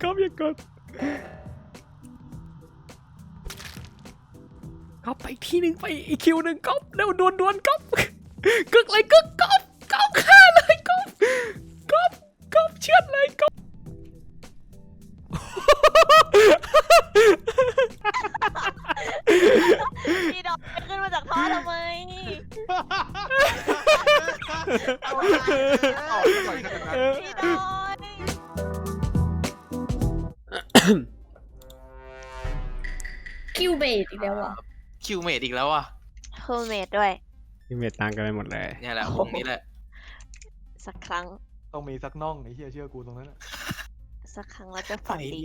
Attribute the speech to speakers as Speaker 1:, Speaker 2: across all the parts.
Speaker 1: ก๊อฟอย่ากดก๊อฟไปทีหนึ่งไปอีกคิวหนึ่งก๊อฟเร็วดวนก๊อฟกึกเลยกึกก๊อฟฆ่าเลยก๊อฟเชือดเลยก๊อฟ
Speaker 2: พี่ดอกขึ้นมาจากท่อทำไมพี่ดอย
Speaker 3: คิวเบสอีกแล้วอ่ะ
Speaker 4: คิวเมดอีกแล้วอ่ะ
Speaker 2: โฮมเมดด้วย
Speaker 1: พี่เมตตังกันไปหมดเลย
Speaker 4: เนี่ยแหละวงนี้แหละ
Speaker 2: สักครั้ง
Speaker 5: ต้องมีสักน่องไอ้เหี้ยเชื่อกูตรงนั้น
Speaker 2: สักครั้งเราจะฝันดี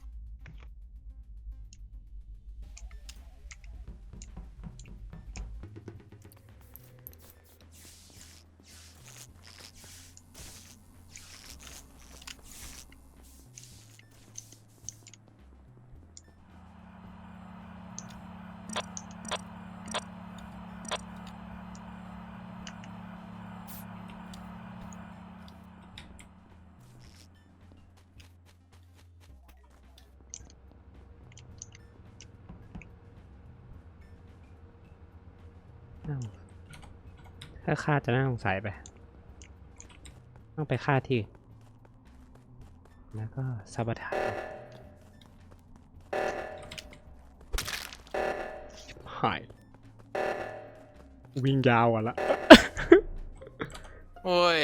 Speaker 1: ถ้าฆ่าจะน่าสงสัยไปต้องไปฆ่าที่แล้วก็ซาบทาหายวิ่งยาวอ่ะละ
Speaker 4: โอ้ย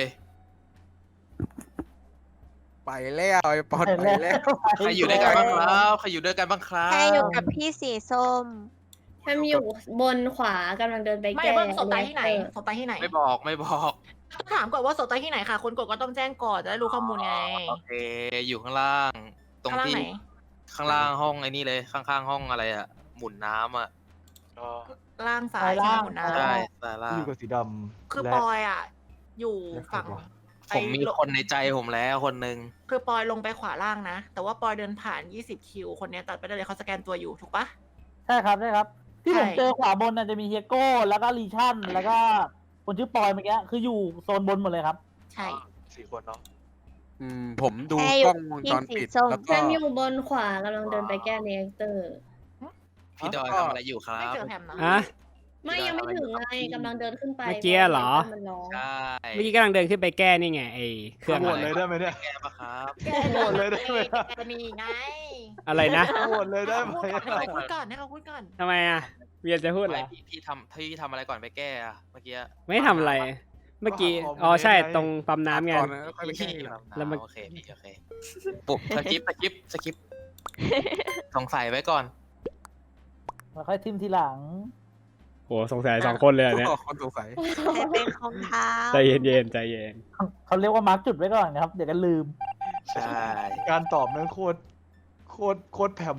Speaker 6: ไปแล้วไอ้ปอนไปแล้ว
Speaker 4: ใครอยู่ด้วยกันบ้างครับใครอยู่ด้วยกันบ้างครั
Speaker 2: แค่อยู่กั
Speaker 4: บบ
Speaker 2: พี่สีส้ม
Speaker 3: แฮมอยู่บนขวากำลังเดินไป
Speaker 7: ไม่
Speaker 3: แก้
Speaker 7: เบิ้งศพตายที่ไหนศพตายที่ไหน
Speaker 4: ไม่บอก
Speaker 7: ต้องถามก่อนว่าศพตายที่ไหนค่ะ คนกดก็ต้องแจ้งก่อนจะได้รู้ข้อมูลไง
Speaker 4: โอเคอยู่ข้างล่าง ตรง
Speaker 7: ข้างล่าง
Speaker 4: ที่
Speaker 7: ไหน
Speaker 4: ข้างล่างห้องไอ้นี่เลยข้างๆห้องอะไรอ่ะหมุนน้ำอ่ะ
Speaker 7: ล่างซ้ายใช่ไหมหมุนน้
Speaker 4: ใช่สายล่าง
Speaker 5: อยู่กับสีด
Speaker 7: ำ
Speaker 5: ำ
Speaker 7: คือ
Speaker 5: และ
Speaker 7: ปอยอ่ะ อยู่ฝั่ง
Speaker 4: ผมมีคนในใจผมแล้วคนหนึ่ง
Speaker 7: คือปอยลงไปขวาล่างนะ แต่ว่าปอยเดินผ่าน20คิวคนเนี้ยตัดไปได้เลยเขาสแกนตัวอยู่ถูกปะ
Speaker 8: ใช่ครับใช่ครับ ที่ผม
Speaker 7: ใช่
Speaker 8: เจอขวาบนน่ะจะมีเฮียโก้แล้วก็ลีชั่นแล้วก็คนชื่อปอยเมื่อกี้คืออยู่โซนบนหมดเลยครับ
Speaker 7: ใช่
Speaker 5: 4 คนเนาะ
Speaker 6: ผมดู
Speaker 2: แค่อยู่
Speaker 6: กล้องวงจรปิด
Speaker 2: ที่สีส้ม
Speaker 6: แล้ว
Speaker 3: แฮ
Speaker 6: ก็
Speaker 3: มอยู่บนขวากำลังเดินไปแก้เรียกเตอร์
Speaker 4: พี่ดอยทำอะไรอยู่ครั
Speaker 7: ไม่
Speaker 4: บ
Speaker 7: เจอแฮมนะ
Speaker 1: อะ
Speaker 3: ไม่ยังไม่ถึงไงกำลังเดินขึ้นไป
Speaker 1: เมื่อกี้เหรอ
Speaker 3: มันร้อง
Speaker 4: ใช่
Speaker 1: เมื่อกี้กำลังเดินขึ้นไปแก้นี่ไงไอ้เครื่อง
Speaker 5: โหว
Speaker 1: อะ
Speaker 5: ต
Speaker 1: ไร
Speaker 5: เลยได้ไหมเนี่ย
Speaker 4: แกปะครับ
Speaker 5: โหวตเลยได้ไหม
Speaker 7: แกนี่ไง
Speaker 1: อะไรนะ
Speaker 5: โหวตเลยได้ไหม
Speaker 7: ให้เขาพูดก่อนให้เขาพูดก่อน
Speaker 1: ทำไมอ่ะเวียนจะพูดเหร
Speaker 4: ไม่
Speaker 1: อ
Speaker 4: พี่ทำอะไรก่อนไปแก้อะเมื่อกี้
Speaker 1: ไม่ทำอะไร เมื่อกี้อ๋อใช่ตรงปั๊มน้ำไง
Speaker 6: ก่อนนะค่อยไปแก้
Speaker 4: พี่
Speaker 6: ทีหลัง
Speaker 1: แล้วมัน
Speaker 4: โอเคพี่โอเคปุ๊บสกิปสงสัยไว้ก่อน
Speaker 8: แล้วค่อยทิมทีหลัง
Speaker 1: โหสงสัยสองคนเลยอันเนี่ย
Speaker 6: คนสงสัย
Speaker 2: ให้เป็นของเท้า
Speaker 1: ใจเย็นใจเย็น
Speaker 8: เขาเรียกว่ามาร์กจุดไว้ก่อนนะครับ เดี๋ยวกันลืม
Speaker 4: ใช่
Speaker 5: การตอบแม่งโคตรแผ่ม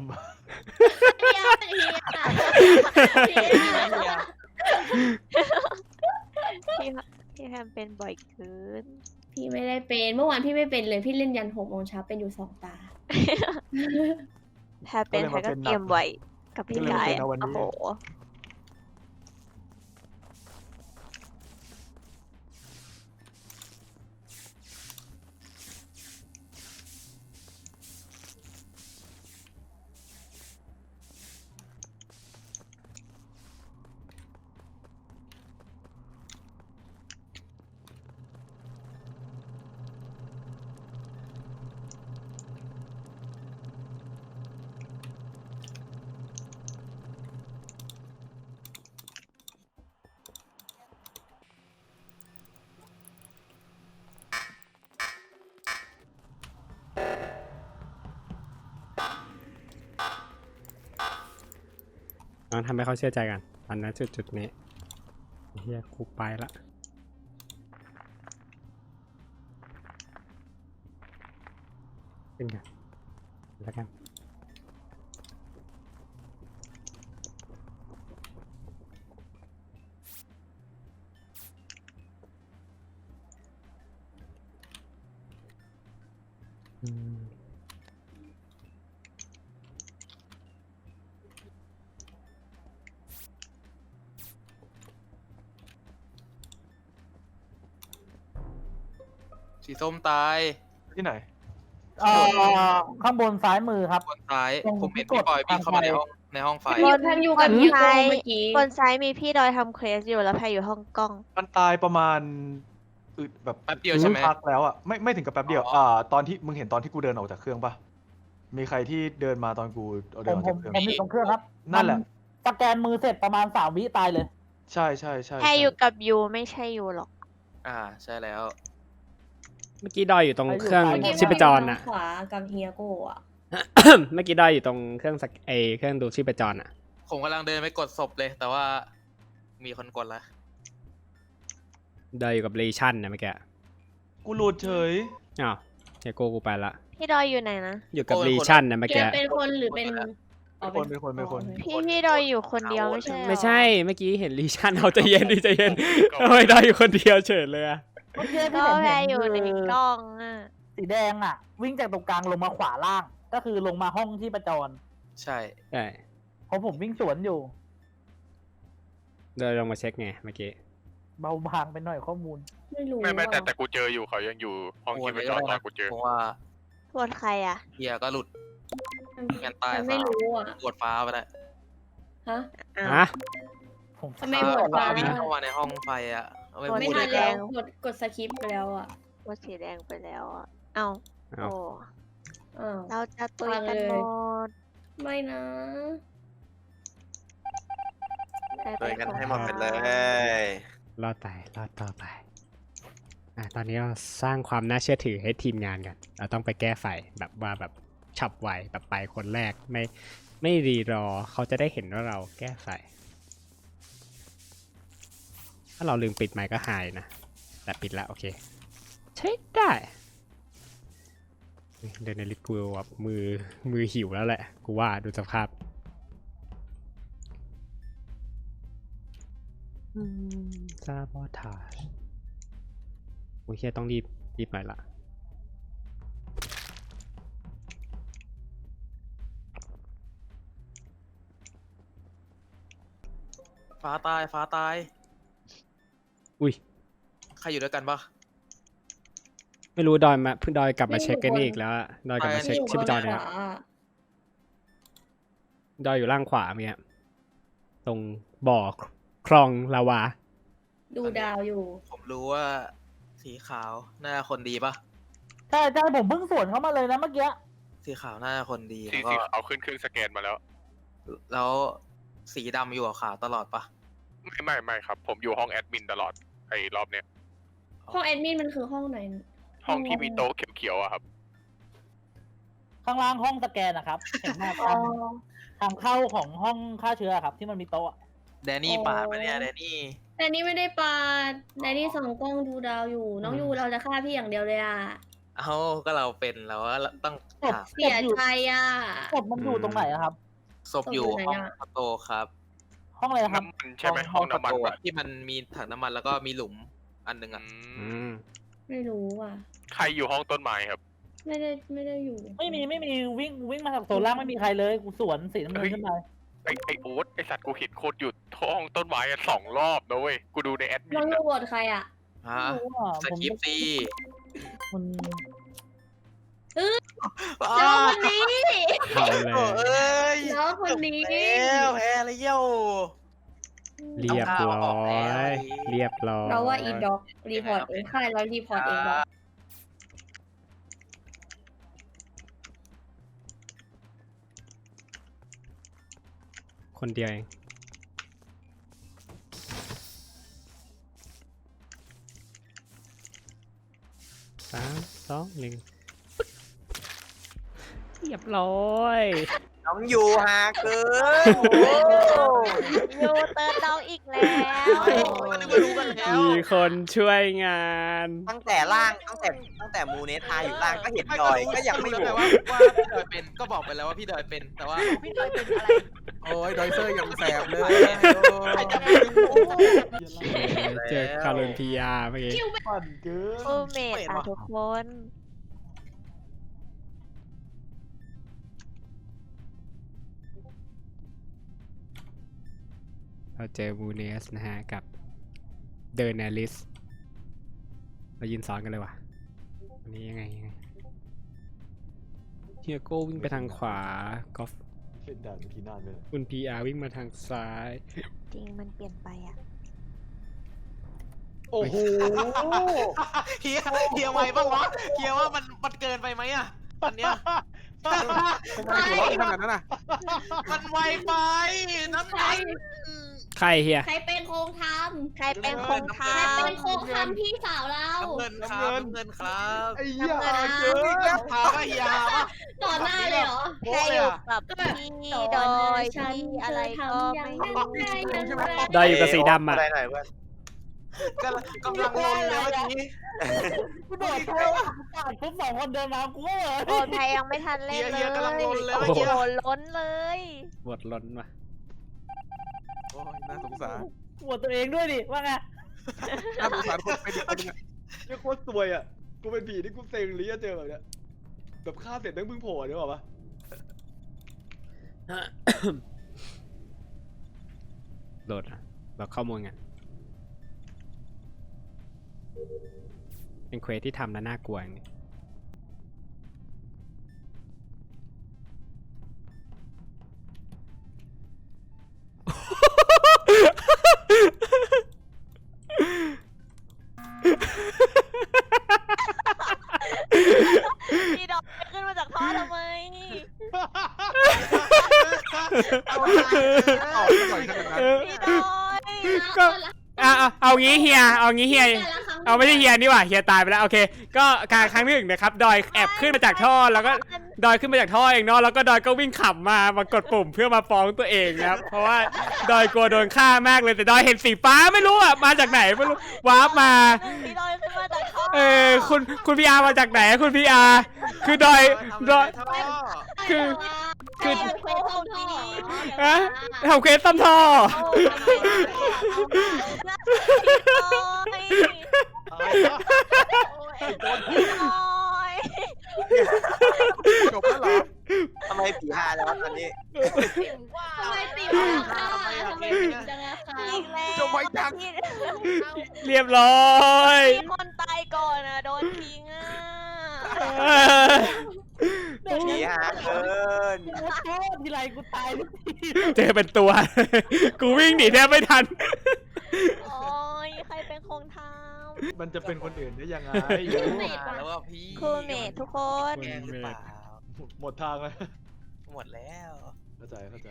Speaker 2: พี่แพมเป็นบ่อยเกิน
Speaker 3: พี่ไม่ได้เป็นเมื่อวานพี่ไม่เป็นเลยพี่เล่นยัน6 โมงเช้าเป็นอยู่2 ตา
Speaker 2: แพมเป็นแพมก็เตรียมไว้กับพี่กายอะโอ้โห
Speaker 1: น้องทำให้เขาเชื่อใจกันอันนั้นจุดนี้เฮียกูไปละขึ้นกันแล้วกัน
Speaker 4: สีส้มตาย
Speaker 5: ที่ไหน
Speaker 8: ข้างบนซ้ายมือครับ
Speaker 4: บนซ้าย
Speaker 8: ตรง
Speaker 4: ผมเห็น
Speaker 8: ที่
Speaker 4: พี่
Speaker 8: กด
Speaker 4: บอยวิ่งเข้ามา
Speaker 8: ทางไฟ
Speaker 4: ในห้องไฟ
Speaker 3: แพมอยู่กับเฮียโกเมื่อกี้
Speaker 2: บนซ้ายมีพี่ดอยทำเควสอยู่แล้วแพรอยู่ห้องกล้อง
Speaker 5: มันตายประมาณแบบ
Speaker 4: แป๊บเดียวใช่ไหม
Speaker 5: พักแล้วอ่ะไม่ถึงกับแป๊บเดียว
Speaker 4: อ๋อ
Speaker 5: ตอนที่มึงเห็นตอนที่กูเดินออกจากเครื่องปะมีใครที่เดินมาตอนกูเดินออกจากเครื่อง
Speaker 8: ผมอยู่ตรงเครื่องครับ
Speaker 5: นั่นแหละ
Speaker 8: สแกนมือเสร็จประมาณ3 วิตายเลย
Speaker 5: ใช่
Speaker 2: แพรอยู่กับยูไม่ใช่ยูหรอก
Speaker 4: ใช่แล้ว
Speaker 1: เมื่อกี้ดอยอยู่ตรงเครื่อง
Speaker 3: เมื่อกี้
Speaker 1: ชีพจร
Speaker 3: ทา
Speaker 1: น่ะ
Speaker 3: งขวากับเฮียโกอ่ะ
Speaker 1: เมื่อกี้ดอยอยู่ตรงเครื่องเครื่องดูชีพจรอ่ะ
Speaker 4: ผมกำลังเดินไปกดศพเลย แต่ว่ามีคนกดแล้ว
Speaker 1: ดอยอยู่กับเลชั่นนะเมื่อกี้
Speaker 5: กูหลุดเฉย
Speaker 1: อ้าวเฮโก้กูไปละ
Speaker 2: พี่ดอยอยู่ไหนนะ
Speaker 1: อยู่กับ
Speaker 4: โอ้ย
Speaker 1: เลชั่นนะเมื่อ
Speaker 3: แก
Speaker 1: กี้
Speaker 3: เป็นคนหรือเป็นอ๋อ
Speaker 5: เป็นคน
Speaker 2: พี่ดอยอยู่คนเดียวไม่ใช่เหรอ
Speaker 1: ไม่ใช่เมื่อกี้เห็นเลชั่นเอาใจเย็นดิใจเย็นทำไมดอยอยู่คนเดียวเฉยเลยอะ
Speaker 8: เมื่อกี้ที่
Speaker 2: ก็
Speaker 8: ผม
Speaker 2: แพร
Speaker 8: เห็น
Speaker 2: อยู่ใน
Speaker 8: คื
Speaker 2: กล้องอ่ะ
Speaker 8: สีแดงอ่ะ วิ่งจากตรงกลางลงมาขวาล่าง ก็คือลงมาห้องที่ประจร
Speaker 4: ใช่
Speaker 1: ใช่
Speaker 8: เพราะผมวิ่งสวนอยู่
Speaker 1: ดอยลงมาเช็คไงเมื่อกี้
Speaker 8: เบาบางไปหน่อยข้อมูล
Speaker 3: ไม่รู้
Speaker 9: ไม่แต่
Speaker 3: อ่ะ
Speaker 9: แต่กูเจออยู่เขายังอยู่ห้องที่ไปจอดตอนกูเจอ
Speaker 4: เพราะว่า
Speaker 2: ปวดใครอ่ะ
Speaker 4: เฮียก็หลุดงานตาย
Speaker 3: มันไม่รู้อ่ะ
Speaker 4: กดฟ้าไปแล้ว
Speaker 3: ฮะ
Speaker 2: อ้าว
Speaker 1: ฮะ
Speaker 8: ผม
Speaker 3: ทำไมโหวต
Speaker 4: ฟ้า
Speaker 3: ฟ้า
Speaker 4: วิ่งเข้ามาในห้องไฟอ่ะเอาไป
Speaker 2: โหวต
Speaker 3: ไม่
Speaker 4: พูด
Speaker 3: ทัน
Speaker 4: เลย
Speaker 3: แล้วกดสคริปต์ไปแล้วอ่ะ
Speaker 2: ปวดสีแดงไปแล้วอ่ะ เอ้า
Speaker 1: เอา
Speaker 2: โอ้
Speaker 3: อ้าว
Speaker 2: เราจะตุยกัน
Speaker 3: ฟัง
Speaker 2: ห
Speaker 3: เล
Speaker 2: ม
Speaker 3: ย
Speaker 2: ด
Speaker 3: ไม่นะ
Speaker 2: ใคร
Speaker 6: เล
Speaker 2: เป็
Speaker 6: ย
Speaker 2: น
Speaker 6: กัน
Speaker 2: คน
Speaker 6: ให้หมดไปเลย
Speaker 1: รอดไปรอดต่อไปตอนนี้เราสร้างความน่าเชื่อถือให้ทีมงานกันเราต้องไปแก้ไฟแบบว่าแบบฉับไวแบบไปคนแรกไม่รีรอเขาจะได้เห็นว่าเราแก้ไฟถ้าเราลืมปิดไมค์ก็หายนะแต่ปิดแล้วโอเคใช้ได้เดินในลิฟต์กูแบบมือหิวแล้วแหละกูว่าดูสภาพซาบอทาจโอ้ยเฮียต้องรีบหน่อยละ
Speaker 4: ฟ้าตาย
Speaker 1: อุ้ย
Speaker 4: ใครอยู่ด้วยกันปะ
Speaker 1: ไม่รู้ดอยมาเพิ่งดอยกลับมาเช็คกันนี่อีกแล้วอะดอยกลับมาเช็คชีพจรเนี่ย
Speaker 3: ขวา
Speaker 1: ดอยอยู่ล่างขวาเมียตรงบ่อคลองลาวา
Speaker 3: ดูดาวอยู่
Speaker 4: ผมรู้ว่าสีขาวน่าคนดีปะ
Speaker 8: ใช่ผมเพิ่งสวนเข้ามาเลยนะเมื่อกี้
Speaker 4: สีขาวน่าคนดี
Speaker 9: สี
Speaker 4: แล้วก็
Speaker 9: เอาขึ้นเครื่องสแกนมาแล้ว
Speaker 4: แล้วสีดำอยู่กับขาวตลอดปะ
Speaker 9: ไม่ครับ ผมอยู่ห้องแอดมินตลอดไอ้รอบเนี้ย
Speaker 3: ห้องแอดมินมันคือห้องไหน
Speaker 9: ห้องที่มีโต๊ะเขียวๆอะครับ
Speaker 8: ข้างล่างห้องสแกนนะครับ เห็นไหม
Speaker 3: อ๋อ
Speaker 8: ทางเข้าของห้องฆ่าเชื้อครับ ที่มันมีโต๊ะ
Speaker 4: แดนนี่ปาดมาเนี่ยแดนนี่
Speaker 3: แต่นี่ไม่ได้ปาดในนี่ส่องกล้องดูดาวอยู่ น้องยูเราจะฆ่าพี่อย่างเดียวเลยอ่ะ
Speaker 4: เอาก็เราเป็นแล้วว่าต้องถาม
Speaker 3: เสียใจอ่ะ
Speaker 8: ศพมันอยู่ตรงไหนอะครับ
Speaker 4: ศพอยู่
Speaker 3: ศพอยู่ไหน
Speaker 4: ห้อง
Speaker 3: อะ
Speaker 4: คอนโตครับ
Speaker 8: ห้องอะไรนะครับ
Speaker 9: น้ำมันใช่ไหมห้องน้ำมัน
Speaker 4: คอโต
Speaker 9: ปะ
Speaker 4: อะที่มันมีถังน้ำมันแล้วก็มีหลุมอันหนึง
Speaker 9: อื
Speaker 4: อ่ะ
Speaker 9: ม
Speaker 3: ไม่รู้อ่ะ
Speaker 9: ใครอยู่ห้องต้นไม้ครับ
Speaker 3: ไม่ได้อยู่
Speaker 8: ไม่มีวิ่งมาจากโซนล่างไม่มีใครเลยกูสวนสีน้ำเงินขึ้นไป
Speaker 9: ไอโอ๊ตไอสัตว์กูเห็นโคตรอยู่ห้องต้นไม้อะ2 รอบนะเว้ย กูดูในแอดมิ
Speaker 3: น้อง
Speaker 9: น
Speaker 3: ยู
Speaker 9: อะ
Speaker 3: โหวตใครอ่ะ
Speaker 4: ฮะ
Speaker 8: ไม่รู้อ่ะ
Speaker 4: สคริปต์ซี
Speaker 8: มัน
Speaker 3: น้องคนนี้
Speaker 1: เอาเลย
Speaker 4: เอ้ย
Speaker 3: น้องคนนี้
Speaker 4: แล้วแพ้แล้วเย้า
Speaker 1: เรียบร้อยเรียบร้อย
Speaker 3: เราว่าอีด็อกรีพอร์ตเองค่ายเรารีพอร์ตเองหรอก
Speaker 1: คนเดียวเอง3 2 1เรียบร้อย
Speaker 6: น้องอยู่หาเกิน
Speaker 2: ยูเติร์นน้องอีกแล้ว
Speaker 1: มีคนช่วยงาน
Speaker 6: ตั้งแต่ล่างตั้งแต่มูเนทาอยู่ล่างก็เห็นดอยก็ยังไม่โหวต
Speaker 4: ว่าพี่ดอยเป็นก็บอกไปแล้วว่าพี่ดอยเป็นแต่ว่า
Speaker 7: พี่ดอยเป็นอะไร
Speaker 6: โอ้ยดอยเซอร์ยังแสบเลย
Speaker 1: เจอคาร์ลพีอาร์เมื่อกี้
Speaker 5: ปั่นเกิน
Speaker 2: ฟูเมดอ่ะทุกคน
Speaker 1: เราเจอมูเนสนะฮะกับเดอร์เนลิสเรายืนซ้อนกันเลยว่ะอันนี้ยังไงฮียโก้วิ่งไปทางขวาก็
Speaker 5: เล่นด่านทีนานเลย
Speaker 1: คุณ PR วิ่งมาทางซ้าย
Speaker 2: จริงมันเปลี่ยนไปอ่ะ
Speaker 5: โอ้โห
Speaker 6: เฮียไวบ้างวะเฮียว่ามันเกินไปไหมอ่ะอันเนี้ย
Speaker 5: ทำไมหัวเราะขนาดนั้นน่ะ
Speaker 6: มันไวไปน้ำมัน
Speaker 1: ใครเฮีย
Speaker 3: ใครเป็นโครงท
Speaker 2: ใครเป็นคง
Speaker 3: ำใค
Speaker 2: ทาร
Speaker 3: เป็นโครงทำพี่สาวเรา
Speaker 6: น้ำเงินครับน้ำเงินครับ
Speaker 5: ไอ้เหี้ย
Speaker 2: เกิน
Speaker 6: ถามว่าเฮียปะ
Speaker 3: ต่อหน้าเลยเหรอ
Speaker 2: แค่อยู่กับพี่ดอยพี่อะไรก็ไม่รู้
Speaker 1: ดอยอยู่กับสีดำอ่ะ
Speaker 6: อะไรหน่อยเพื่อนกำลังลนเลยเมื่อกี้
Speaker 8: กูโดดเข้าผ่านปุ๊บ2 คนเดินมากูก็เหมือน
Speaker 2: โอ้ไทยยังไม่ทันเล่นเลย
Speaker 6: เฮียกำลังลนเลย
Speaker 2: โอ้
Speaker 6: เมื่อ
Speaker 2: โห
Speaker 6: กี้
Speaker 2: ล้นเลย
Speaker 1: บทล้นว่ะ
Speaker 5: โอ้ยน่าสงสาร
Speaker 8: ปวดตัวเองด้วยดิว่าไง
Speaker 5: น่าสงสารคนเป็นอีกคนนึงอ่ะเนี่ยโคตรซวยอ่ะกูเป็นผีที่กูเซ็งเลยอะเจอแบบเนี้ยแบบฆ่าเสร็จแม่งเพิ่งโผล่เนี่ยหรอปะ
Speaker 1: โหลดอะเราข้อมูลกันเป็นเควสที่ทำแล้วน่ากลัวอย่างนี้
Speaker 2: พี่ดอยขึ้นมาจากท่อทำไม
Speaker 6: เอา
Speaker 5: ปล่อยขนาดนั้น
Speaker 2: พี่ดอย
Speaker 1: ก็เอางี้เฮียเอางี้เฮีย เอาไม่ใช่เฮียนี่หว่าเฮียตายไปแล้วโอเค ก็การครั้งที่ 1นะครับดอยแอบขึ้นมาจากท่อแล้วก็ดอยขึ้นมาจากท่อเองเนาะแล้วก็ดอยก็วิ่งขับมากดปุ่มเพื่อมาฟ้องตัวเองนะครับเพราะว่าดอยกลัวโดนฆ่ามากเลยแต่ดอยเห็นสีฟ้าไม่รู้อ่ะมาจากไหนไม่รู้วาร์ปมา
Speaker 2: พี่ดอยขึ้นมาจากท่อ
Speaker 1: คุณพีอาร์มาจากไหนคุณพีอาร์คือดอยคือ
Speaker 3: คือเควสต้นท่อ
Speaker 1: ฮะทำเควสต้นท่อ
Speaker 5: จบแล้วเหรอ
Speaker 6: ทำไมผีฮาแล้วตอนนี้
Speaker 3: ทำไมตีมาค่ะทำไมถึงจังอะค่ะ
Speaker 2: อีกแล้ว
Speaker 5: จบไว้จัง
Speaker 1: เรียบร้อย
Speaker 2: มีคนตายก่อนอ่ะโดนทิ้งอ่ะ
Speaker 6: ผีฮาเกิน
Speaker 8: กูโทษทีไรกูตายทุกที
Speaker 1: เจอเป็นตัว กูวิ่งหนีแทบไม่ทัน
Speaker 2: โอ้ยใครเป็นคงท
Speaker 5: มันจะเป็นคนอื่นได้ยังไง
Speaker 6: แล้วว่าพี่
Speaker 2: ำคูเมททุกคน
Speaker 6: แกล้งหรือเปล่า
Speaker 5: หมดทางแล้ว
Speaker 6: หมดแล้ว
Speaker 5: เข้าใจเข้าใจ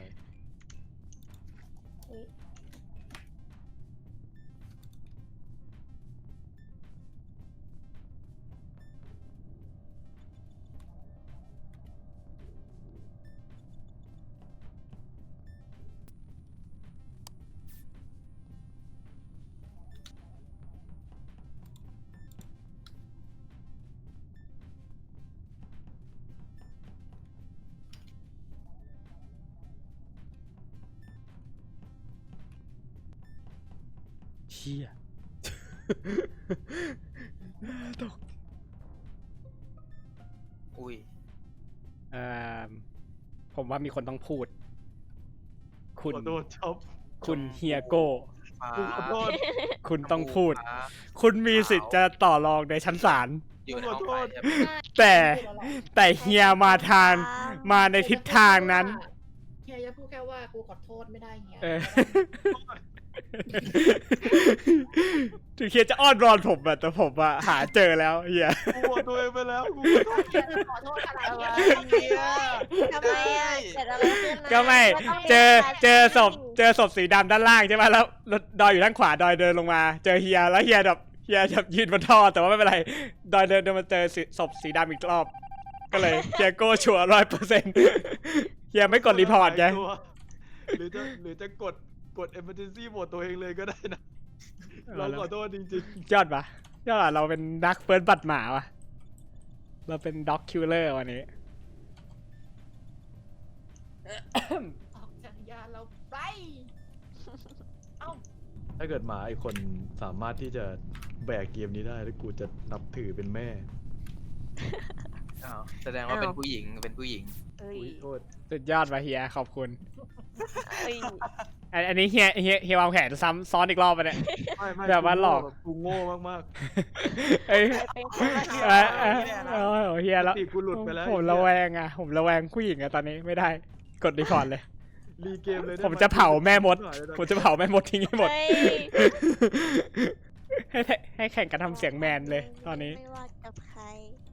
Speaker 1: เชี่ย ตก
Speaker 6: อุ้ย
Speaker 1: ผมว่ามีคนต้องพูด คุณ
Speaker 5: ขอโทษช็อป
Speaker 1: คุณเฮียโก้
Speaker 5: กูขอโทษ
Speaker 1: คุณต้องพูด คุณมีสิทธิ์จะต่อรองในชั้นศาล
Speaker 6: อยู่ในห้องไฟใช่ไหม
Speaker 1: แต่เฮียมาในทิศทางนั้น
Speaker 7: เฮียจะพูดแค่ว่ากูขอโทษไม่ได้เฮีย
Speaker 1: เออ ถึงเฮียจะอ้อนรอนผมอะแต่ผมอะหาเจอแล้วเฮีย
Speaker 5: กูขอตัวเองไปแล้วกู
Speaker 7: ขอโทษอะไร
Speaker 2: อะไร
Speaker 7: เฮีย
Speaker 2: ทำไมอ่ะเกิดอะไรขึ้นนะ
Speaker 1: ก็ไม่เจอศพสีดำด้านล่างใช่ไหมแล้วดอยอยู่ด้านขวาดอยเดินลงมา เจอเฮียแล้วเฮียแบบยืนบนท่อแต่ว่าไม่เป็นไรดอยเดินมาเจอศพสีดำอีกรอบ ก็เลยเฮียโก้ชัวร์100%เฮียไม่กดรีพอร์ตไง
Speaker 5: หรือจะกด emergency โหมดตัวเองเลยก็ได้นะ เราขอโทษจริง
Speaker 1: ยอดปะยอดอะเราเป็นดักเฟิร์สบัตรหมาวะเราเป็นด็อกคิลเลอร์วันนี้
Speaker 7: ออกจากยานเราไป
Speaker 5: ๆ ถ้าเกิดหมาอีกคนสามารถที่จะแบกเกมนี้ได้แล้วกูจะนับถือเป็นแม่
Speaker 4: อ้าวแสดงว่าเป็นผู้หญิงเป็นผู้หญิง
Speaker 2: เอ้ย
Speaker 5: อุ้ยโทษ
Speaker 1: สุดยอดวะเฮียขอบคุณ
Speaker 2: เอ้ย
Speaker 1: อันนี้เฮียวางแผนซ้ำซ้อนอีกรอบไปเนี่ย
Speaker 5: ไม่
Speaker 1: แบบว่าหลอก
Speaker 5: กูโง่มาก
Speaker 1: เอ้ย
Speaker 2: เป็นคนละ
Speaker 1: โอ้เฮีย
Speaker 5: ๆ
Speaker 1: แล้ว
Speaker 5: สติกูหลุดไปแล้ว
Speaker 1: ผมระแวงอ่ะผมระแวงผู้หญิงอะตอนนี้ไม่ได้กดรีพอร์ตเลย
Speaker 5: รีเกมเลยได้
Speaker 1: ผมจะเผาแม่มด ผมจะเผาแม่มดทิ้งให้หมด
Speaker 2: เฮ้ย
Speaker 1: ให้แข่งกันทำเสียงแมนเลยตอนนี้
Speaker 2: ไม่ว่ากับใคร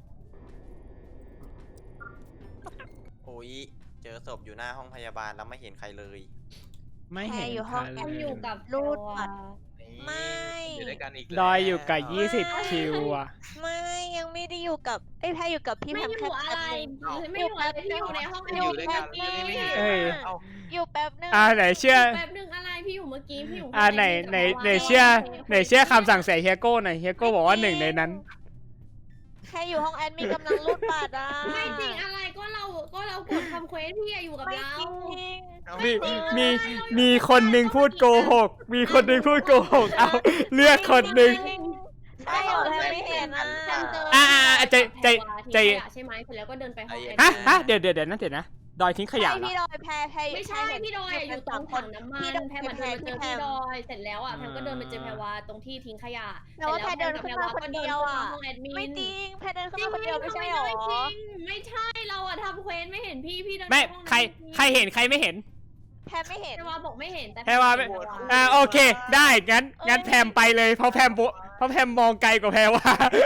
Speaker 6: โอ้ยเจอศพอยู่หน้าห้องพยาบาลแล้วไม่เห็นใครเลย
Speaker 1: ไม่เห็น
Speaker 2: แค่อยู่ห้อง
Speaker 1: ใคร
Speaker 3: แอม
Speaker 1: เล
Speaker 3: อยู่กับ
Speaker 2: รูด
Speaker 3: โจ
Speaker 2: บั
Speaker 3: อะ
Speaker 2: ตร ไม่
Speaker 4: อยู่ด้วยกันอีก
Speaker 1: ดอยอยู่กับ
Speaker 4: แล้ว
Speaker 1: 20 คิวอ่ะ
Speaker 2: ไม่ยังไม่ได้อยู่กับไอ้ยแพรอยู่กับพี่
Speaker 3: ไม่
Speaker 2: แพม
Speaker 3: อ
Speaker 2: แค่
Speaker 3: ยู่อะ
Speaker 2: แป๊บ
Speaker 3: ไร
Speaker 2: นึง
Speaker 3: ไม่อยู่อะไรพี่อยู่ในห้อง
Speaker 4: อยู่ด้วยกัน
Speaker 2: อยู่
Speaker 4: ไม่
Speaker 2: แป๊
Speaker 4: เห็
Speaker 2: บ
Speaker 4: น
Speaker 2: นึง
Speaker 1: เอ้ย
Speaker 2: อยู่แป๊บนึง
Speaker 1: ไหนเชื่อ
Speaker 3: แป๊บนึงอะไรพี่อยู่เมื่อกี้พี่อยู่
Speaker 1: ไหนเชื่อคำสั่งเสียเฮียโก้หน่อยเฮียโก้บอกว่าหนึ่งในนั้น
Speaker 2: แค่อยู่ห้องแอดมินกำลังรูดบัตรอ่ะ
Speaker 3: ไม่จริงอะไรก็เรากดทำเควสพี่อะอยู่กับ
Speaker 2: ไม่
Speaker 3: เรา
Speaker 2: จริง
Speaker 1: มีคนหนึ่งพูดโกหก มีคนหนึ่งพูดโกหก เอาเลือกคนหนึ่ง
Speaker 2: ใช่เหรอแพรไม่เห็นอ่ะ
Speaker 3: แพมเจอ
Speaker 1: ใจ
Speaker 3: ใช่ไหมเสร็จแล้วก็เดินไปห้องแอดมิน
Speaker 1: ฮะเดี๋ยวนะดอยทิ้งขยะ
Speaker 2: ใช่
Speaker 1: เหรอ
Speaker 2: พี่ดอยแพรอยู่
Speaker 3: ไม่ใช่
Speaker 2: แพรเห็น
Speaker 3: พี่ดอยอะอยู่ตรงถังน้ำมัน
Speaker 2: พี่ดอย
Speaker 3: แพมมาเดินมาเจอพี่ดอยเสร็จแล้วอ่ะแพมก็เดินไปเจอแพรวาตรงที่ทิ้งขยะ
Speaker 2: แต่ว่าแพรเดินขึ้นมาคนเดียวอ่ะ
Speaker 3: ห้องแอดมิน
Speaker 2: ไม่จริงแพรเดินขึ้นมาคนเดียวไม่ใช่หรอ
Speaker 3: ไม่ใช่เราอะทำเควสไม่เห็นพี่เดิน
Speaker 1: ไม่
Speaker 3: ปห้อง
Speaker 1: ใครเห็นใครไม่เห็น
Speaker 2: แพรไม่เห็น
Speaker 3: แพรวาบอกไม่เห็นแต่
Speaker 1: แพรวาไม่ โอเค ได้งั้นแพมไปเลยเพราะแพมมองไกลกว่าแพรว่า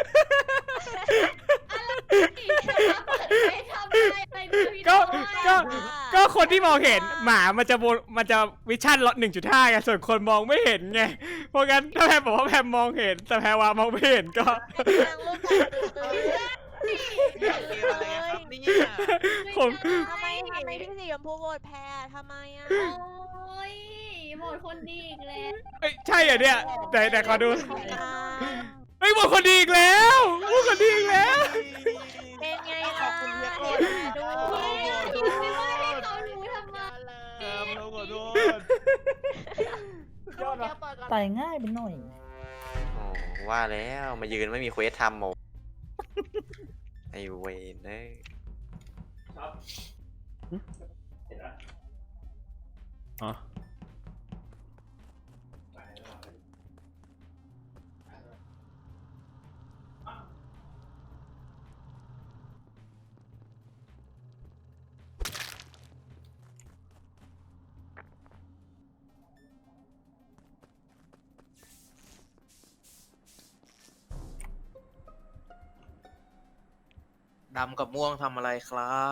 Speaker 1: ก็คนที่มองเห็นหมามันจะวิชั่นลด 1.5 ไงส่วนคนมองไม่เห็นไงเพราะงั้นถ้าแพมบอกว่าแพมมองเห็นแต่แพรวามองไม่เห็นก็
Speaker 2: กำลังรูดบัตรอยู่
Speaker 6: เกมอะไรอะครับเนี่ย
Speaker 1: ผม
Speaker 2: ทำไมพี่สีชมพูโหวตแพรทำไมอ่ะ
Speaker 3: โอ้ยหมดคนดีอีกแล้ว
Speaker 1: เอ้ยใช่เหรอเนี่ยแต่ขอดู
Speaker 2: อ่า
Speaker 1: เฮ้ยหมดคนดีอีกแล้วหมดคนดีอีกแล้ว
Speaker 2: เป็นไง
Speaker 6: ข
Speaker 2: ล่ะ
Speaker 6: อบคุณเฮียโก้
Speaker 2: ดู
Speaker 3: พี่ไม่ว่าให้เขารู้ทำไม
Speaker 5: แอมเราขอโทษ
Speaker 8: ยอดวะตายง่ายไปหน่อย
Speaker 6: โอ้ว่าแล้วมายืนไม่มีเควสทำหมดไอเวนเอ้ย
Speaker 1: อ๋อ
Speaker 4: ดำกับม่วงทำอะไรครับ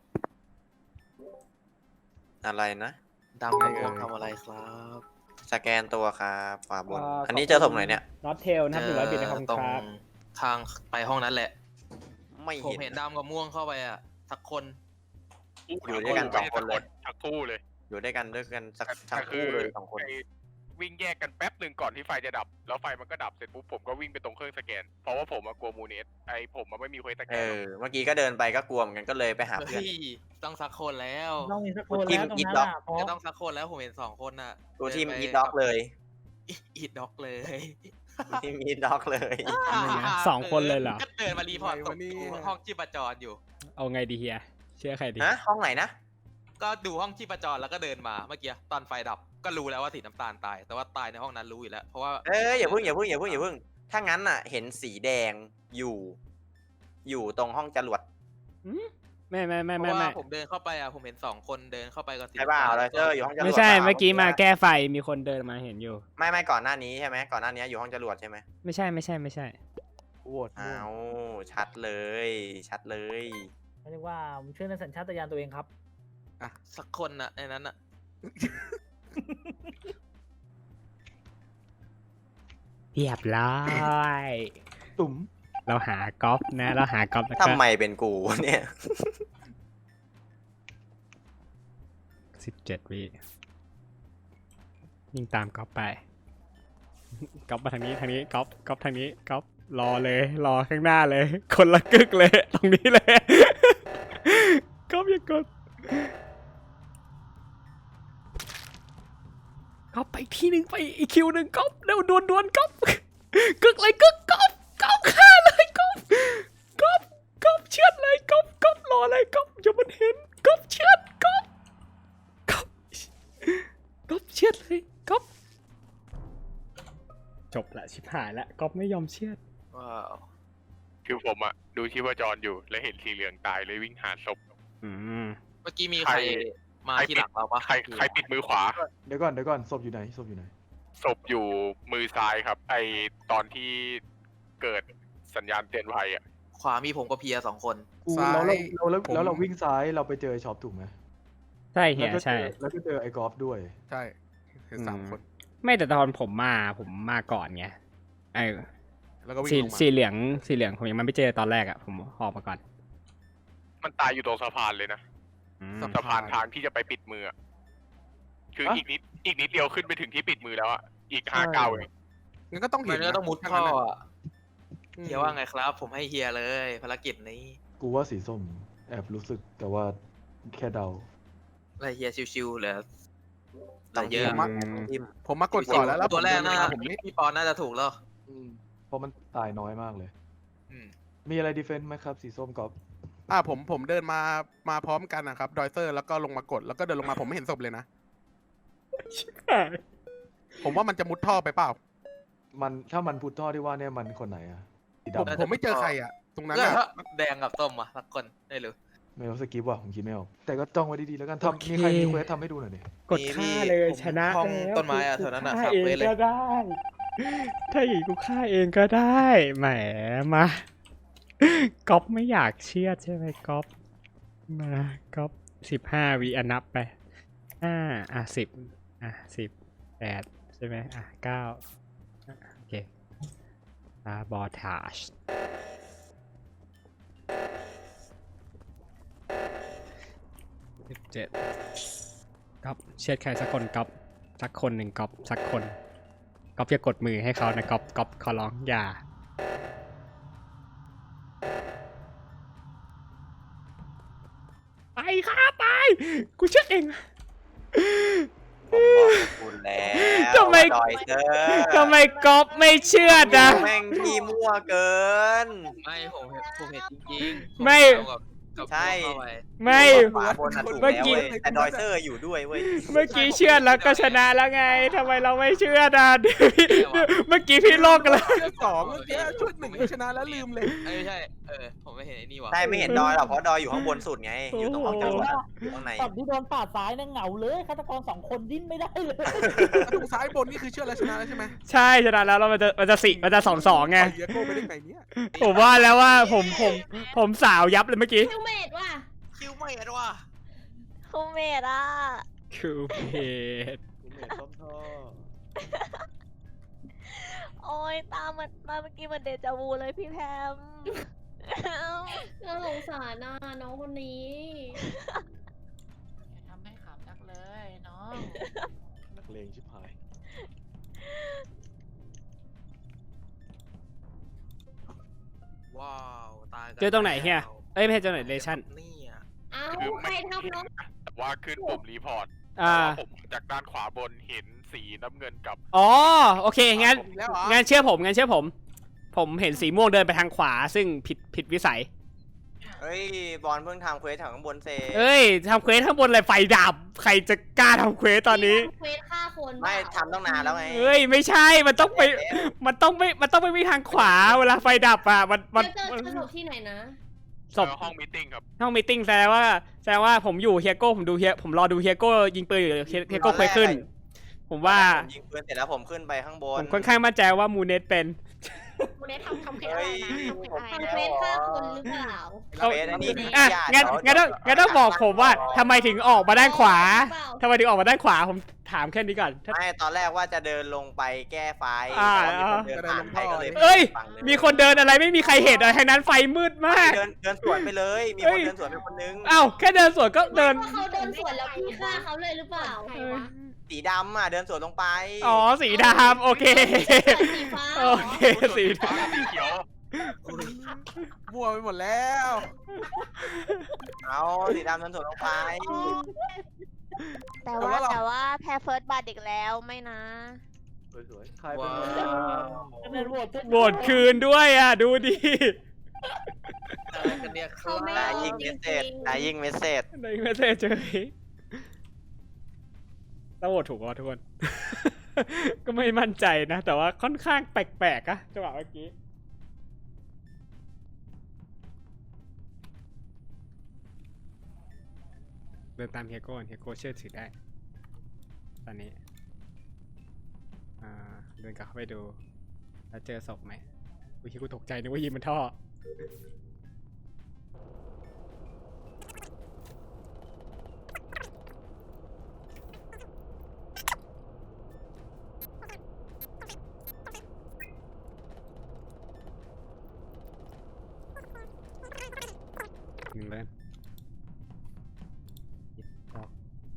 Speaker 6: อะไรนะ
Speaker 4: ดำกับม่วงทำอะไรครับ
Speaker 6: สแกนตัวครับขวาบน อันนี้เจอศพไหนเนี่ย
Speaker 1: น็อตเทลนะครับ100 บิตในคอม
Speaker 4: ตรง
Speaker 1: ครับ
Speaker 4: ทางไปห้องนั้นแหละ
Speaker 6: ไม่
Speaker 4: ผม
Speaker 6: เห็น
Speaker 4: เห็นดำกับม่วงเข้าไปอ่ะสักคน
Speaker 6: อยู่ด้วยกันสองคนเลย
Speaker 9: ทั้งคู่เลย
Speaker 6: อยู่ด้วยกันสัก
Speaker 9: แต่
Speaker 6: ทั้งคู่เลยสองคน
Speaker 9: ไอ้วิ่งแยกกันแป๊บหนึ่งก่อนที่ไฟจะดับ แล้วไฟมันก็ดับเสร็จปุ๊บผมก็วิ่งไปตรงเครื่องสแกน เพราะว่าผมกลัวมูเนสผมไม่มีเควสสแก
Speaker 6: เอน เมื่อกี้ก็เดินไปก็กลัวเหมือนกันก็เลยไปหาเพื่อน
Speaker 4: เฮ้ยต้องสักคนแล้ว
Speaker 8: ต้องมีสักคนแล้วตรงนั้นอ่ะเพราะ
Speaker 4: จะต้องสักคนแล้วผมเห็น2 คนน่ะ
Speaker 6: ตัวที่
Speaker 4: เดินไป
Speaker 6: มีด็อกเลย
Speaker 4: อีดด็อกเลย
Speaker 6: ตัวที่มีด็อกเลย
Speaker 1: 2 คนเลยเหรอ
Speaker 4: ก็เดินมารีพอร์ตตรงห้องชีพจรอยู่
Speaker 1: เอาไงดีเฮียเชื่อใครดี
Speaker 6: ฮะห้องไหนนะ
Speaker 4: ก็ดูห้องชีพจรแล้วก็เดินมาเมื่อกี้ตอนไฟดับก็รู้แล้วว่าสีน้ำตาลตาย แต่ว่าตายในห้องนั้นรู้อยู่แล้วเพราะว่า
Speaker 6: อย่าเพิ่งถ้างั้นอ่ะ เห็นสีแดงอยู่ตรงห้องจรวด
Speaker 1: ไม่
Speaker 4: เพราะว่าผมเดินเข้าไปอ่ะผมเห็น2 คนเดินเข้าไปกับสี
Speaker 6: ใช่ป่ะเราเจออยู่ห้องจรวด
Speaker 1: ไม่ใช่เมื่อกี้มาแก้ไฟมีคนเดินมาเห็นอยู่
Speaker 6: ไม่ก่อนหน้านี้ใช่ไหมก่อนหน้านี้อยู่ห้องจรวดใช่ไหม
Speaker 1: ไม่ใช่
Speaker 5: โหวต
Speaker 6: อ้าวชัดเลย
Speaker 8: ไม่เรียกว่าผมเชื่อในสัญชาตญาณตัวเองครับ
Speaker 4: อ่ะสักคนน่ะในนั้นน่ะ
Speaker 1: เรียบร้อย
Speaker 5: ตุ๋ม
Speaker 1: เราหากอล์ฟนะเราหากอล์ฟแล้วก็
Speaker 6: ทำไมเป็นกูเนี่ย
Speaker 1: 17 วิยิ่งตามกอล์ฟไปกอล์ฟมาทางนี้กอล์ฟทางนี้กอล์ฟรอเลยรอข้างหน้าเลย คนละกึกเลยตรงนี้เลยกอล์ฟอย่ากดกอล์ฟไปที่หนึ่งไปอีกคิวหนึ่งกอล์ฟเร็วดวนกอล์ฟกึกเลยกึกกอล์ฟฆ่าเลยกอล์ฟเชือดเลยกอล์ฟรอเลยกอล์ฟอย่ามันเห็นกอล์ฟเชือดกอล์ฟชิบหายแล้วก๊อฟไม่ยอมเชื่อด
Speaker 4: ว้าว
Speaker 9: คือผมอะดูชีพจรอยู่แล้วเห็นสีเหลืองตายเลยวิ่งหาศพ
Speaker 1: อืม
Speaker 4: เมื่อกี้มีใครมาที่หลังเราปะ
Speaker 9: ใครปิดมือขวา
Speaker 5: เดี๋ยวก่อนศพอยู่ไหนศพอยู่ไหน
Speaker 9: ศพอยู่มือซ้ายครับ ไอตอนที่เกิดสัญญาณเตือนภัยอะ
Speaker 4: ขวามีผมกับเพีย2 คน
Speaker 5: แล้วเราวิ่งซ้ายเราไปเจอไอ้ช็อปถูกไหม
Speaker 1: ใช่เฮียใช่
Speaker 5: แล้วก็เจอไอ้กอล์ฟด้วย
Speaker 10: ใช่คือสามคน
Speaker 1: ไม่แต่ตอนผมมาก่อนไงไอ้
Speaker 10: แล้วก็วิ่ง
Speaker 1: สี
Speaker 10: ลงมา
Speaker 1: สีเหลืองผมยังไม่เจอตอนแรกอ่ะผมออกมาก่อน
Speaker 9: มันตายอยู่ตรงสะพานเลยนะ
Speaker 1: อืม
Speaker 9: สะพานทางที่จะไปปิดมืออะคืออีกนิดเดียวขึ้นไปถึงที่ปิดมือแล้วอะอีก5 ก้าวเอง
Speaker 10: งั้นก็ต้องเห็
Speaker 4: มัน นก็ต้องมุด
Speaker 10: ถ้า
Speaker 4: ท่อ
Speaker 10: งั้นอะ
Speaker 4: อะเฮียว่าไงครับ ผมให้เฮียเลยภารกิจนี้
Speaker 5: กูว่าสีส้มแอบรู้สึกแต่ว่าแค่เดา
Speaker 4: อะไรเฮียชิวๆเหลือ
Speaker 6: ต้อง
Speaker 4: เยอะ
Speaker 6: จิ้มจิ้ม
Speaker 10: ผมมากดก่อนแล้ว
Speaker 4: ตัวแรกน่า
Speaker 10: ผมไม่
Speaker 4: พี่ปอนน่าจะถูกแล้ว
Speaker 5: เพราะมันตายน้อยมากเลย
Speaker 4: อืม
Speaker 5: มีอะไรดีเฟนต์ไหมครับสีส้มกอล์ฟ
Speaker 10: ผมเดินมาพร้อมกันนะครับดอยเซอร์แล้วก็ลงมากดแล้วก็เดินลงมาผมไม่เห็นศพเลยนะ ผมว่ามันจะมุดท่อไปเปล่า
Speaker 5: ถ้ามันพุทท่อที่ว่าเนี่ยมันคนไหนอะสี
Speaker 10: ผม
Speaker 5: ดำ
Speaker 10: ผมไม่เจอใครอ่ะ ตรงนั้น
Speaker 4: เลือก
Speaker 10: อะ
Speaker 4: แดงกับส้มอ่ะสักคนได้หรือ
Speaker 5: ไม่รู้สกิปว่ะผมคิดไม่ออกแต่ก็จ้องไว้ดีๆแล้วกันทำมีใครมีเควสทำให้ดูหน่อยดิ
Speaker 1: กดฆ่าเลยชนะ
Speaker 4: ห้อง
Speaker 1: แล้ว
Speaker 4: ต้นไม้อะแถวนั้นอะ
Speaker 1: ฆ่า
Speaker 4: ครับ
Speaker 1: เอง
Speaker 4: เว้ยเลย
Speaker 1: ก็ได้ ถ้าอย่างนี้กูฆ่าเองก็ได้แหมมาก๊อฟไม่อยากเชื่อดใช่ไหมก๊อฟมาก๊อฟ15 วินับไป10 10 8ใช่ไหม9โอเคบอทาช17ก๊อฟเชื่อดใครสักคนก๊อฟสักคนหนึ่งก๊อฟสักคนก๊อฟอย่ากดมือให้เขานะก๊อฟขอร้องอย่าไปครับไปกูเชื่อเอง
Speaker 6: ผมบอกคุณแล้ว
Speaker 1: ทำไม
Speaker 6: ดอยเซอร์
Speaker 1: ทำไมก๊อฟไม่เชื่อดอ่ะ
Speaker 6: แม่งที่มั่วเกิน
Speaker 4: ไม่ผมเห็นจริงๆ
Speaker 1: ไม่
Speaker 4: ผมกับ
Speaker 6: ใช่
Speaker 4: เข้าไป
Speaker 1: ไม่
Speaker 6: ขวาบนอะถูก
Speaker 1: เมื่
Speaker 6: แล้
Speaker 1: อ
Speaker 6: ว
Speaker 1: กี้
Speaker 6: เว้ยแต่ดอยเซอร์อยู่ด้วยเว้ย
Speaker 1: เมื่อกี้เชื่อดแล้วก็ชนะแล้วไงทำไมเราไม่เชื่อดอ่ะเมื่อกี้พี่โลกกันแล้ว
Speaker 10: เชื่อสองเมื่อกี้ชุดหนึ่งก็ชนะแล้วลืมเลย
Speaker 4: ไม่ใช่ผมไม่เห็นไอ้นี่ว่ะ
Speaker 6: ใช่ไม่เห็นดอยหรอกเพราะดอยอยู่ข้างบนสุดไง อยู่ตรงห้องจรวดอะอยู่ข้างใน
Speaker 8: ตอนที่โดนปาดซ้ายนั่งเหงาเลยฆาตกร2 คนดิ้นไม่ได้เลย
Speaker 10: ตรงซ้ายบนนี่คือเชื่อแล้วชนะแล้วใช่ไหม
Speaker 1: ใช่ชนะแล้วเรามันจะ2-2ไง
Speaker 10: เฮียโก้ไปได้ไงเนี่ย
Speaker 1: ผมว่าแล้วว่าผมสาวยับเลยเมื่อกี้
Speaker 3: คิวเมดว่ะ
Speaker 4: คิวไม่เห็นว่ะ
Speaker 2: คูเมดอ่ะ
Speaker 1: คือเพจ
Speaker 5: กูเมทส้มท่อ
Speaker 2: โอ้ยตามมันมาเมื่อกี้มันเดจาวูเลยพี่แพม
Speaker 3: เราสงสารน่ะน้องคนนี้
Speaker 7: ทำให้ขำจักเลยน้อง
Speaker 5: นักเลงชิบหาย
Speaker 4: ว้าวตายกัน
Speaker 1: เจอตรงไหนเฮียเอ้ยไม่ใช่ตรงไหนเลชั่น
Speaker 4: เนี่ย
Speaker 3: เอ้า
Speaker 9: คือ
Speaker 3: ใครทำน้อง
Speaker 9: แต่ว่าขึ้นปุ่มรีพอร์ต
Speaker 1: อ่า
Speaker 9: แต่ว่าผมจากด้านขวาบนเห็นสีน้ำเงินกับ
Speaker 1: อ๋อโอเคงั้น
Speaker 10: อีกแล้วเหรอ
Speaker 1: งั้นเชื่อผมผมเห็นสีม่วงเดินไปทางขวาซึ่งผิดวิสัย
Speaker 6: เฮ้ยบอลเพิ่งทำเควสแถวข้างบนเซ
Speaker 1: เอ้ยทำเควสข้างบนอะไรไฟดับใครจะกล้าทำเควสตอนนี้
Speaker 3: เควสฆ่าคน
Speaker 6: ไม่ทำตั้งนานแล้วไง
Speaker 1: เอ้ยไม่ใช่มันต้องไปวิ่งทางขวาเวลาไฟดับอ่ะมัน
Speaker 3: เจอศพที่ไหนนะ
Speaker 1: ศพ
Speaker 9: ห้องมีตติ้งครับ
Speaker 1: ห้องมีตติ้งแสดงว่าผมอยู่เฮียโก้ผมรอดูเฮียโก้ยิงปืนอยู่เฮียโก้เควสขึ้น ผมว่า
Speaker 6: ผมยิงปืนเสร็จแล้วผมขึ้นไปข้างบ
Speaker 1: ผ
Speaker 6: น
Speaker 1: มค่อนข้างมั่นใจว่ามูเนสเป็น
Speaker 7: คุณเนททำเควสอะไรนะทำเควสอะไร
Speaker 3: ทำเควสฆ่าคนหรือเปล่า
Speaker 6: เควสอันนี้
Speaker 1: อ่ะ
Speaker 6: ญาติ
Speaker 1: งั้นต้องบอกผมว่าทำไมถึงออกมาด้านขวาทำไมถึงออกมาด้านขวาผมถามแค่นี้ก่อนถ้า
Speaker 6: ไม่ตอนแรกว่าจะเดินลงไปแก้ไฟ
Speaker 1: อ่า
Speaker 6: แต่ว่ามีคนเดินผ่านไปก็เลย
Speaker 1: เอ้ย
Speaker 6: ฝั่งเลย
Speaker 1: มีคนเดินอะไรไม่มีใครเห็นอะไรทั้งนั้นไฟมืดมาก
Speaker 6: เดินสวนไปเลย มี
Speaker 1: เอ้
Speaker 6: คน
Speaker 1: ย
Speaker 6: เดินสวนไปคนนึง
Speaker 1: เอ้าแค่เดินสวนก็เดิน
Speaker 3: ว่าเขาเดินสวนแล้วพี่ฆ่าเขาเลยหรือเปล่า
Speaker 7: ใครวะ
Speaker 6: สีดำอ่ะเดินสวนลงไป
Speaker 1: อ๋อสีดำโอเค
Speaker 3: สีฟ้า
Speaker 1: โอเคสีด
Speaker 9: ฟ้าสีเขียว
Speaker 10: มั่วไปหมดแล้ว
Speaker 6: เอาสีดำเดินสวนลงไป
Speaker 2: แต่ว่าแพ้เฟิร์สบัตอีกแล้วไม่นะ
Speaker 5: สวยๆใครเป็น
Speaker 4: ว้าว
Speaker 8: เป็นโหวตทุก
Speaker 1: ำโหวตคืนด้วยอ่ะดูดิ
Speaker 4: อะไรกันเนี่ยค
Speaker 3: เขา
Speaker 4: รับ
Speaker 3: ไม่
Speaker 6: นาย
Speaker 3: เอา
Speaker 6: ยิง
Speaker 3: จ
Speaker 6: เม
Speaker 3: ริ
Speaker 6: สเซจ
Speaker 3: ง
Speaker 6: นายยิงเมสเซจ
Speaker 1: ในเมสเซจเจอต้องโหวตถูกป่ะทุกคนก็ไม่มั่นใจนะ แต่ว่าค่อนข้างแปลกๆอะจังหวะเมื่อกี้เดินตามเฮียโก้เฮียโก้เชื่อถือได้ ตอนนี้เดินกลับเข้าไปดู แล้วเจอศพไหมวิธีกูตกใจนึกว่ายิงมันท่อ หนึ่งเลยออก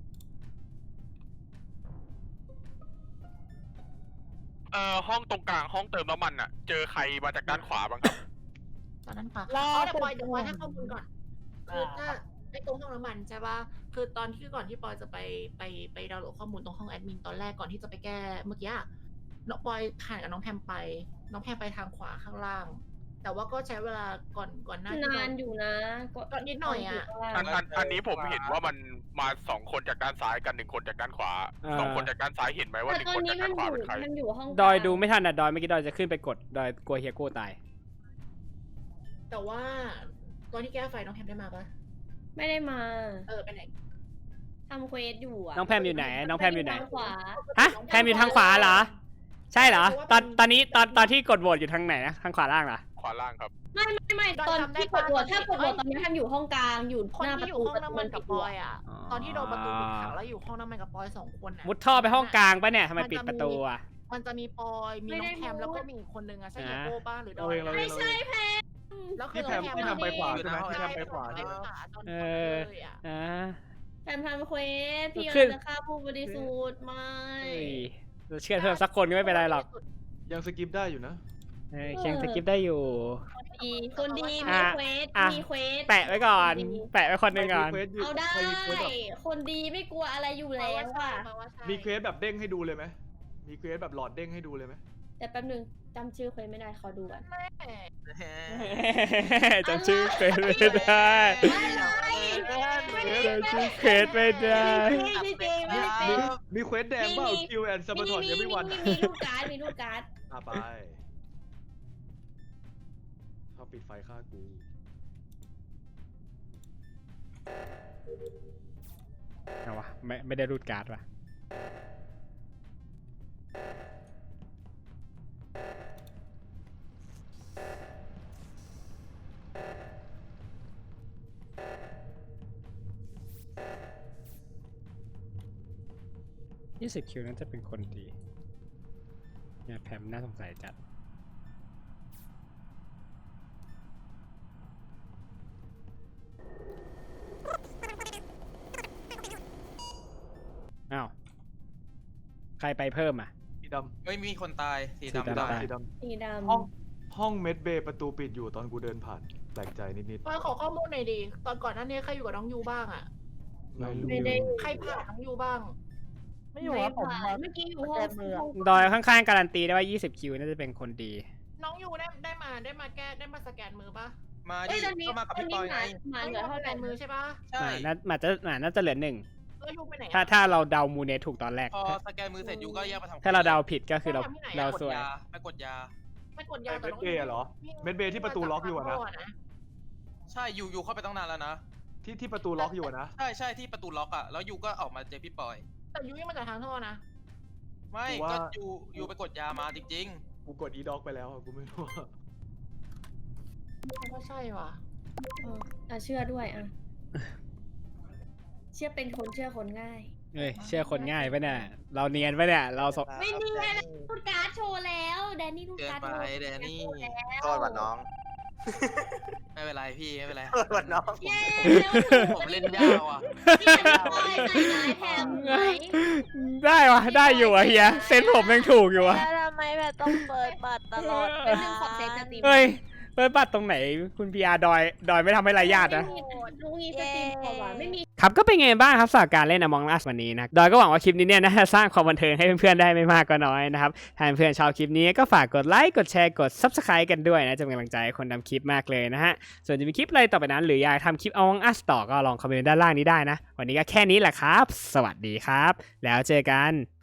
Speaker 9: ห้องตรงกลางห้องเติมน้ำมันอะเจอใครมาจากด้านขวาบ้างครับ
Speaker 7: ตอนนั้นปะ
Speaker 8: รอ
Speaker 7: เดี๋ยวปอยให้ข้อมูลก่อน คือถ้าไอ้ตรงห้องน้ำมันใช่ปะคือตอนที่ก่อนที่ปอยจะไปดาวน์โหลดข้อมูลตรงห้องแอดมินตอนแรกก่อนที่จะไปแก้เมื่อกี้อะน้องปอยผ่านกับน้องแพมไป น้องแพมไปทางขวาข้างล่าง แต่ว่าก็ใช้เวลาก่อนหน้าที่
Speaker 3: นานอยู่นะ
Speaker 7: ก็นิดหน่อยอะ
Speaker 9: อันนี้ผมเห็นว่ามันมา2 คนจากด้านซ้ายกัน1 คนจากด้านขวา 2 คนจากด้านซ้ายเห็นไหมว่า
Speaker 3: แต่
Speaker 9: 1
Speaker 3: ตอ
Speaker 9: คน น
Speaker 3: นี้
Speaker 9: จาก
Speaker 3: มั
Speaker 9: ด้าน นขวา
Speaker 3: อยู่
Speaker 9: เป็นใคร
Speaker 3: มันอยู่ห้อง
Speaker 1: ดอยดูไม่ทันอ่ะ ดอยเมื่อกี้ดอยจะขึ้นไปกด ดอยกลัวเฮียโก้ตาย
Speaker 7: แต่ว่าตอนที่แก้ไฟน้องแพมได้มาปะ
Speaker 3: ไม่ได้มา
Speaker 7: ไปไหน
Speaker 3: ทำเควสอยู่อะ
Speaker 1: น้องแพมอยู่ไหน น้องแพมอยู่ไหน
Speaker 3: ทางขวา
Speaker 1: ฮะ แพมอยู่ทางขวาเหรอ ใช่เหรอ ตอนนี้ตอนที่กดโหวตอยู่ทางไหนนะ ทางขวาล่างเหรอ
Speaker 9: ขวาล่างครับ
Speaker 3: ไม่ตอนที่กดโหวตถ้ากดโหวตตอนนี้ทำอยู่ห้องกลางอยู่
Speaker 7: คน
Speaker 3: หน้าป
Speaker 7: ที่
Speaker 3: ระ
Speaker 7: อยู่
Speaker 3: ตู
Speaker 7: ห้องน้ำมันกับปอยอ่ะ
Speaker 1: อ๋อ
Speaker 7: ตอนที่โดนประตูปิดขังแล้วอยู่ห้องน้ำมันกับปอย2 คนอ่ะ
Speaker 1: มุดท่อไปห้องกลางปะเนี่ยทำไมปิดประตูอ่ะ
Speaker 7: มันจะมีปอยมีน้องแพมแล้วก็มีอีกคนนึงอ่ะใช่เฮียโก้ป้าหรือด
Speaker 5: เรา
Speaker 7: อ
Speaker 5: เอย งเราเอง
Speaker 3: ไม่ใช่แพม
Speaker 7: แล้วคือ
Speaker 5: พี่แพม
Speaker 7: น้อง
Speaker 5: พี่แพมไปขวา
Speaker 4: อยู่
Speaker 5: ใช่ไหม
Speaker 4: นะ
Speaker 5: พี่แพมไปขวา
Speaker 7: ไป
Speaker 5: ใช่ไหม
Speaker 7: ขวาตอน
Speaker 1: เอ
Speaker 7: ที่
Speaker 1: อ
Speaker 7: เลยอ่ะ
Speaker 1: อ่า
Speaker 3: แพมทำเควสพี่
Speaker 1: ขึ้น
Speaker 3: จะฆ่าผู้บริสุทธิ์ไม่
Speaker 1: เฮ้ยเราเชื่อเพิ่มสักคนก็ไม่เป็นไรหรอก
Speaker 5: ยังสกิปได้อยู่นะ
Speaker 1: เออเคียงสกิปได้อยู่
Speaker 3: ดีคนดีมี
Speaker 1: อ่ะ
Speaker 3: เควส
Speaker 1: อ่ะ
Speaker 3: มีเควส
Speaker 1: แปะไว้ก่อน
Speaker 3: ดี
Speaker 1: แปะไว้คนหนึ่งก่อน
Speaker 3: เอาได้
Speaker 5: ใครมีเควสแบบ
Speaker 3: คนดีไม่กลัวอะไรอยู่แล้วอ่ะ
Speaker 5: มีเควสแบบเด้งให้ดูเลยไหมมีเควสแบบหลอดเด้งให้ดูเลยไหม
Speaker 3: แต่แป๊บนึงจำชื่อเควสไม่ได้ขอดูก่อน
Speaker 1: จำชื่อเควสไม่ได้ จำชื่อเควสไม่ได้
Speaker 3: ไม่จริงไม่จริง
Speaker 5: มีเควสแดงเปล่าคิวแอนซัมเบอร์ทอนยังไม่วัน
Speaker 3: มีลูกการ์ดมีลูกการ์ด
Speaker 5: ไปเขาปิดไฟฆ่ากู
Speaker 1: เอาวะไม่ได้รูดการ์ดวะ20 คิวนั้นจะเป็นคนดีเนี่ยแพมน่าสงสัยจัด อ้าว ใครไปเพิ่มอ่ะ
Speaker 5: สีด
Speaker 4: ไม่มีคนตายสี
Speaker 1: สี
Speaker 4: ดำ
Speaker 1: ดำ
Speaker 4: ตาย
Speaker 5: ำสีด
Speaker 3: สีด
Speaker 5: ำห้องเมดเบย์ประตูปิดอยู่ตอนกูเดินผ่านแปลกใจนิด
Speaker 7: ปอยขอข้อมูลหน่อยดิตอนก่อนหน้านี้ใครอยู่กับน้องยูบ้างอ่ะ
Speaker 5: ๆไม่รู้
Speaker 3: ไม่ได้
Speaker 7: ใครผ่านน้องยูบ้าง
Speaker 8: ไม่อยู่ครับผม
Speaker 3: ผ่านเมื่อกี้อยู่ห้อง
Speaker 8: แก้มือ
Speaker 1: ดอยข้างๆการันตีได้ว่า 20 คิวน่าจะเป็นคนดี
Speaker 7: น้องยูได้มาสแกนมือปะ
Speaker 4: มา
Speaker 3: เอ้ย
Speaker 4: ดิ
Speaker 3: ตอนนี้
Speaker 4: ก็มากับ
Speaker 3: ตอน
Speaker 4: พี่ป
Speaker 3: นี้
Speaker 4: อย
Speaker 3: ห
Speaker 4: ไง
Speaker 3: มาเหลือเท่า
Speaker 7: ส
Speaker 3: ไห
Speaker 7: แก
Speaker 3: ร่
Speaker 7: นมือใช่ปะ
Speaker 4: ใช่
Speaker 1: น่าจะเหลือ 1
Speaker 7: แล้วยูไปไหน
Speaker 1: ถ้าเราเดามูเนตถูกตอนแรก
Speaker 4: พอสแกนมือเสร็จยูก็แยกมาทำ
Speaker 1: ถ้าเราเดาผิดก็คือเรา
Speaker 4: ไป
Speaker 1: เรา
Speaker 4: กด
Speaker 1: สวย
Speaker 4: ยาไปกดยา
Speaker 7: ไม่กดยา
Speaker 5: เมดเบย์เหรอ เมดเบย์ที่ประตูล็อกอยู่อะนะ
Speaker 4: ใช่ยูเข้าไปตั้งนานแล้วนะ
Speaker 5: ที่ประตูล็อกอยู่อะนะ
Speaker 4: ใช่ที่ประตูล็อกอ่ะแล้วยูก็ออกมาเจอพี่ปอย
Speaker 7: แต่ยูยังมาจากทางท่อนะ
Speaker 4: ไม่
Speaker 5: กูว่า
Speaker 4: ก็ยูไปกดยามาจริง
Speaker 5: กูกดอีด็อกไปแล้วอะกูไม่รู้อะ
Speaker 7: ก็ใช่ว่ะ
Speaker 3: เชื่อด้วยอ่ะ เชื่อเป็นคนเชื่อคนง่าย
Speaker 1: เอ้ยเชื่อคนง่ายปะเนี่ย เราเนียนปะเนี่ย เราส
Speaker 3: ไม่เนียนลูกการ์ดโชว์แล้วแดนนี่ลู
Speaker 4: ๆ
Speaker 3: ก
Speaker 4: เกิน
Speaker 3: การ์ด
Speaker 4: ไป
Speaker 3: โชว์
Speaker 4: แดนนี่
Speaker 6: โทษว่ะน้อง
Speaker 4: ไม่เป็นไรพี่ไม่เป็นไร
Speaker 6: โทษว่ะน้อง
Speaker 3: เย้
Speaker 4: ผมเล่นยาวอ่ะ
Speaker 3: พี่จะปล่อยใส่ร้ายแถมไหม
Speaker 1: ได้วะได้อยู่อะเฮียเซนผมยังถูกอยู่อะ
Speaker 2: แล้วทำไมแบบต้องเปิดบัตรตลอด
Speaker 3: เป็นหนึ่งของเซตสตรีม
Speaker 1: เฮ้ยเปิดบัตรตรงไหนคุณพีอาร์ดอยไม่ทำให้ไรญาตินะ
Speaker 3: รู้งี้สตรีมกว่าไม่มี
Speaker 1: ครับก็เป็นไงบ้างครับสำหรับการเล่น Among Us วันนี้นะดอยก็หวังว่าคลิปนี้เนี่ยน่าจะสร้างความบันเทิงให้เพื่อนๆได้ไม่มากก็น้อยนะครับถ้าเพื่อนๆชอบคลิปนี้ก็ฝากกดไลค์กดแชร์กด Subscribe กันด้วยนะจะเป็นกำลังใจให้คนทำคลิปมากเลยนะฮะส่วนจะมีคลิปอะไรต่อไปนั้นหรืออยากทำคลิป Among Us ต่อก็ลองคอมเมนต์ด้านล่างนี้ได้นะวันนี้ก็แค่นี้แหละครับ สวัสดีครับ แล้วเจอกัน